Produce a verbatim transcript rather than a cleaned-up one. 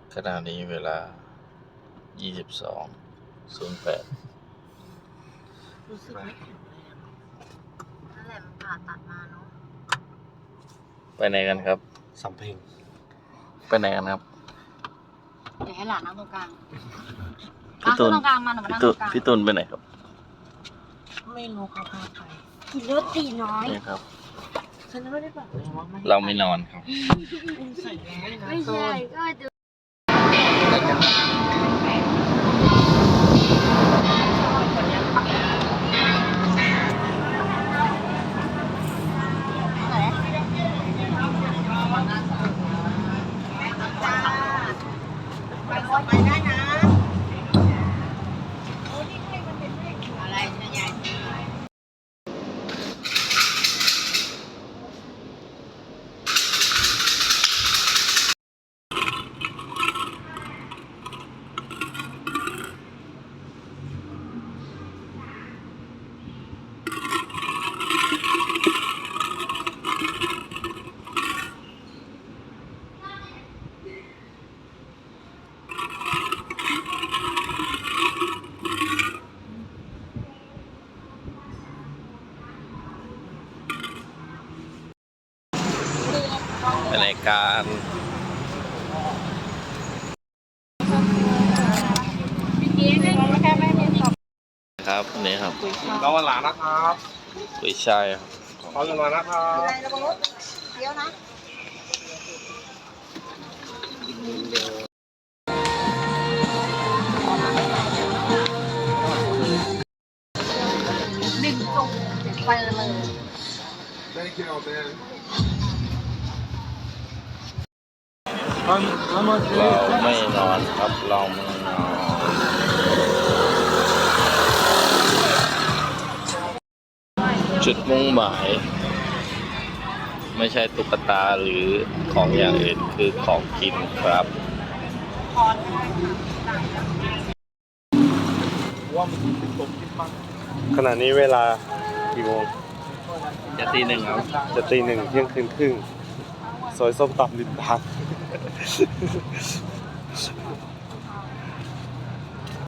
ขณะนี้เวลา ยี่สิบสองศูนย์แปดรู้สึกไม่แข็งแรงนั่นแหละมันผ่าตัดมาเนาะไปไหนกันครับสำเพ็งไปไหนกันครับเดี๋ยวให้หลานนั่งตรงกลางพี่ตูนตรงกลางมาหนูมานั่งตตูรงกลางพี่ตูนไปไหนครับไม่รู้เขาพาไปกินรสตีน้อยนี่ครับฉันไม่ได้บอกเลยว่าไม่เราไม่นอนครับคุณใส่แมสนะไม่ตูใช่นก็ดูไปได้นะอะไรนะยายไปไหนกันแค่ไม่มีสอบครับนี่ครับเราวันหลานนะครับกุยช่ายครับขอเงินมานะครับอะไรนะบอสเดี๋ยวนะหนึ่งจุกไปเลยได้คิวเอาเต้นเราไม่นอนครับเราไม่นอนจุดมุ่งหมาย ไม่ใช่ตุ๊กตาหรือของอย่างอื่นคือของกินครับขณะนี้เวลากี่โมงจะตีหนึ่งครับจะตีหนึ่งเที่ยงคืนครึ่งซอยส้มตำริมทาง